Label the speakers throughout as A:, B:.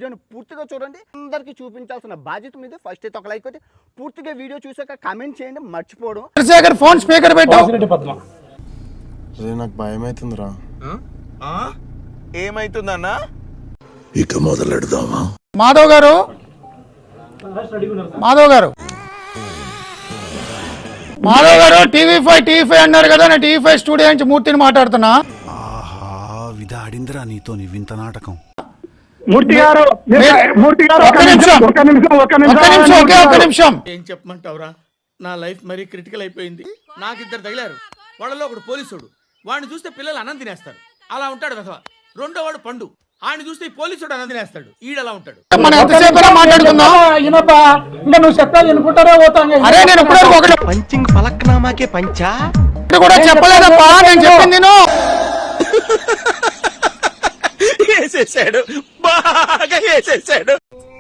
A: వీడియోని పూర్తిగా చూడండి. అందరికీ చూపించాల్సిన బాధ్యత మీద. ఫస్ట్ అయితే ఒక లైక్ కొట్టి పూర్తిగా వీడియో చూసాక కామెంట్ చేయండి మర్చిపోవడం.
B: ఫోన్ స్పీకర్ పెట్టు.
C: నాకు భయం అవుతుందిరా.
D: ఏమైతుందన్నా?
C: ఇక మొదలెడదామా?
B: మాధవ్ గారు టీవీ5 అన్నారు కదా. నేను టీవీ5 స్టూడియో నుంచి మూర్తిని మాట్లాడుతున్నా.
E: విధాడిందిరా నీతో వింత నాటకం.
B: మూర్తి గారు ఒక్క నిమిషం.
D: ఏం చెప్పమంటావురా? నా లైఫ్ మరీ క్రిటికల్ అయిపోయింది. నాకు ఇద్దరు తగిలారు. వాళ్ళలో ఒకడు పోలీసుడు. వాడిని చూస్తే పిల్లలు అన్నం తినేస్తారు. అలా ఉంటాడు వెధవ. రెండో వాడు పండు. ఆయన చూస్తే పోలీసుడు అన్నం తినేస్తాడు. ఈడలా ఉంటాడు.
E: పంచింగ్ పలక్నామాకే పంచా
B: కూడా చెప్పలేదప్పా. నేను చెప్పింది
D: వేసేసాడు, బాగా వేసేసాడు.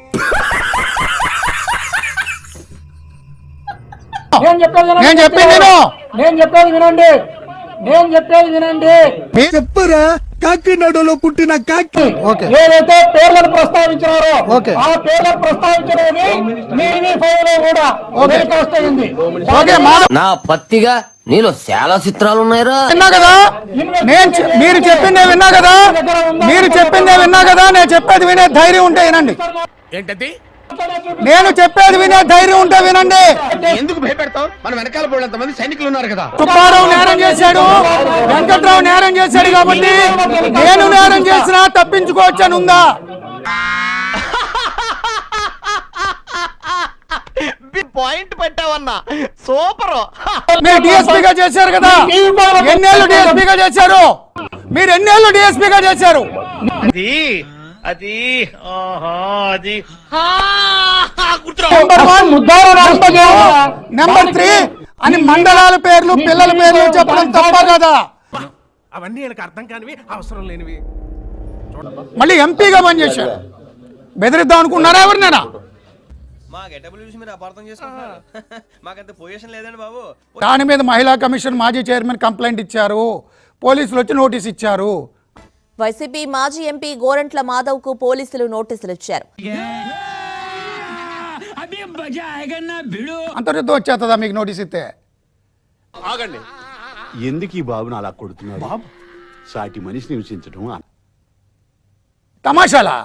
B: నేను చెప్పేది వినండి.
E: చెప్పరా కాకినాడలో పుట్టిన కాకి.
B: ఏదైతే పేర్లను ప్రస్తావించారో ఆ పేర్లను ప్రస్తావించడానికి కూడా
F: నా పత్తిగా నీలో చాలా చిత్రాలు ఉన్నాయిరా.
B: విన్నా కదా, మీరు చెప్పిందే విన్నా కదా. నేను చెప్పేది వినే ధైర్యం ఉంటే వినండి.
D: ఏంటది?
B: నేను చెప్పేది వినే ధైర్యం ఉంటే వినండి.
D: ఎందుకు భయపెడతావు? మన వెనకాల పోయినంత మంది సైనికులు ఉన్నారు కదా.
B: సుబ్బారావు నేరం చేశాడు, వెంకట్రావు నేరం చేశాడు కాబట్టి నేను నేరం చేసినా తప్పించుకోవచ్చని ఉందా?
D: పాయింట్ పెట్టావన్నా, సూపర్.
B: మీరు డిఎస్పీగా చేశారు కదా. ఎన్నేళ్ళు డిఎస్పీగా చేశారు? మీరు ఎన్నేళ్ళు డిఎస్పీగా చేశారు? నెంబర్ 3 అని మండలాల పేర్లు పిల్లల పేర్లు చెప్పడం తప్ప కదా?
D: అవన్నీ నాకు అర్థం కానివి, అవసరం లేనివి.
B: మళ్ళీ ఎంపీగా పనిచేశారు. బెదిరిద్దాం అనుకున్నారా ఎవరినైనా? దాని మీద మహిళా కమిషన్ మాజీ చైర్మన్ కంప్లైంట్ ఇచ్చారు. పోలీసులు వచ్చి నోటీస్ ఇచ్చారు.
G: వైసీపీ మాజీ ఎంపీ గోరంట్ల మాధవ్ కు పోలీసులు నోటీసులు ఇచ్చారు.
B: అంతర్యుద్ధం వచ్చేస్తుందా మీకు నోటీస్ ఇస్తే?
D: ఆగండి.
E: ఎందుకు ఈ బాబును అలా కొడుతున్నాడు? బాబు సాటి మనిషిని హింసించడం
B: తమాషాలా?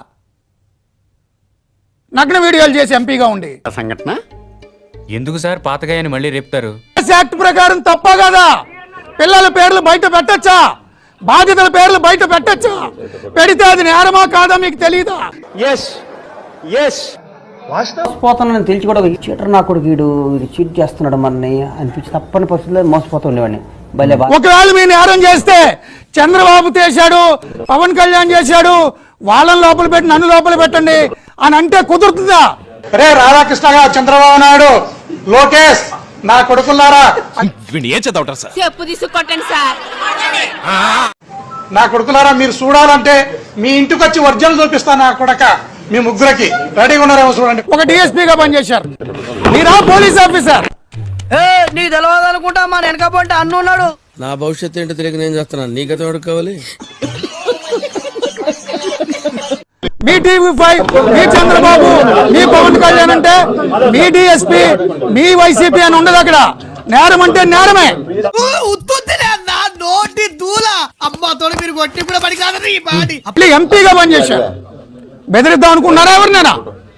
B: నగ్న వీడియోలు చేసి ఎంపీగా ఉండి
E: సంఘటన
H: ఎందుకు సార్ పాతగాయని మళ్ళీ రేపుతారు?
B: యాక్ట్ ప్రకారం తప్ప కదా? పిల్లల పేర్లు బయట పెట్టచ్చా? బాధితుల పేర్లు బయట పెట్టచ్చా? పెడితే అది నేరమా కాదా మీకు తెలీదా?
I: మోసపోతానని తెలిసి కూడా చీటర్ నా కొడుకు వీడు చీట్ చేస్తున్నాడు మనని అనిపించి తప్పని పరిస్థితుల్లో మోసపోతూ ఉండేవాడిని.
B: ఒకవేళ మీ నేరం చేస్తే చంద్రబాబు చేశాడు, పవన్ కళ్యాణ్ చేశాడు, వాళ్ళని లోపల పెట్టి నన్ను లోపల పెట్టండి అని అంటే కుదురుతుందా? రే రాధాకృష్ణగా, చంద్రబాబు నాయుడు, లోకేష్ నా కొడుకులారా,
H: ఏం చదవటం సార్?
G: చెప్పు తీసుకొట్టండి సార్.
B: నా కొడుకులారా, మీరు చూడాలంటే మీ ఇంటికి వచ్చి వర్జన్ చూపిస్తా. నా కొడక మీ ముగ్గురికి రెడీగా ఉన్నారేమో చూడండి. ఒక డిఎస్పీగా పనిచేశారు, మీరా పోలీస్ ఆఫీసర్.
I: నీకు తెలవదు అనుకుంటా, మా వెనక పోంటే అన్ను ఉన్నాడు.
F: నా భవిష్యత్తు ఏంటో తెలియక నేను చేస్తున్నాను. నీకైతే ఎవరికి కావాలి?
B: మీ టీవీ5, మీ చంద్రబాబు, మీ పవన్ కళ్యాణ్ అంటే మీ డిఎస్పీ, మీ వైసీపీ అని ఉండదు. అక్కడ నేరం అంటే నేరమే. ఎంపీగా పనిచేశారు. బెదిరిద్దాం అనుకున్నారా ఎవరినైనా?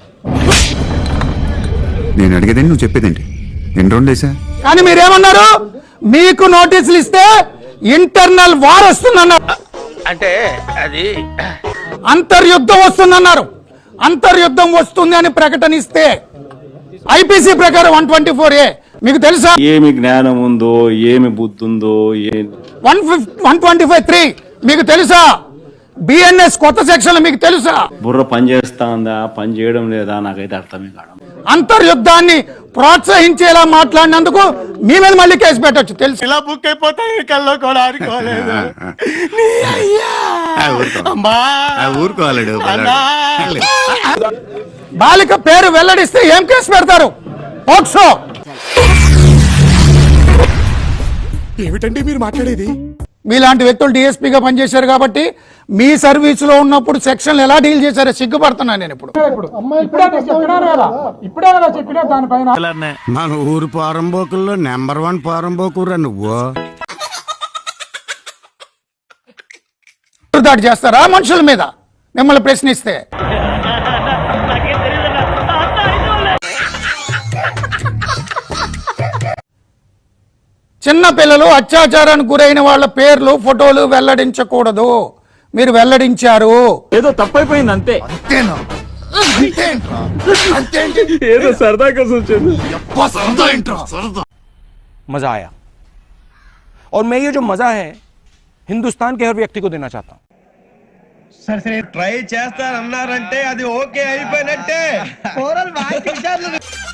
E: నేను అడిగేదేంటి, నువ్వు చెప్పేదేంటి? ఎన్ని రోజులు వేసా?
B: కానీ మీరేమన్నారు? మీకు నోటీసులు ఇస్తే ఇంటర్నల్ వార్ వస్తుందన్నారు.
D: అంటే అది
B: అంతర్యుద్ధం వస్తుందన్నారు. అంతర్యుద్ధం వస్తుంది అని ప్రకటన ఇస్తే ఐపీసీ ప్రకారం 124A మీకు తెలుసా?
C: ఏమి జ్ఞానం ఉందో, ఏమి బుద్ధి ఉందో.
B: 125(3 మీకు తెలుసా? బిఎన్ఎస్ కొత్త సెక్షన్ మీకు తెలుసా?
C: బుర్ర పని చేస్తా ఉందా, పని చేయడం లేదా? నాకైతే అర్థమే కాదు.
B: అంతర్యుద్ధాన్ని ప్రోత్సహించేలా మాట్లాడినందుకు మీ మీద మళ్ళీ కేసు పెట్టచ్చు. తెలుసు.
D: ఇలా బుక్ అయిపోతాయి కల్లో కూడా ఆడుకోలేదు.
B: బాలిక పేరు వెల్లడిస్తే ఏం కేసు పెడతారు? పోక్సో.
D: ఏమిటండి మీరు మాట్లాడేది?
B: మీలాంటి వ్యక్తులు డిఎస్పీగా పనిచేశారు కాబట్టి మీ సర్వీసులో ఉన్నప్పుడు సెక్షన్లు ఎలా డీల్ చేశారో సిగ్గుపడుతున్నాను నేను ఇప్పుడు.
E: మన ఊరు పారంబోకుల్లో నెంబర్ 1 పారంబోకురా నువ్వు.
B: దాడి చేస్తారా మనుషుల మీద మిమ్మల్ని ప్రశ్నిస్తే? చిన్న పిల్లలు అత్యాచారానికి గురైన వాళ్ళ పేర్లు ఫోటోలు వెల్లడించకూడదు, మీరు వెల్లడించారు.
C: ఏదో తప్పైపోయింది అంతే. ఏదో సరదా కోసం వచ్చాను.
J: मजा आया और मैं ये जो मजा है हिंदुस्तान के हर व्यक्ति को देना चाहता हूँ.
D: ట్రై చేస్తారన్నారంటే అది ఓకే అయిపోయినట్టే.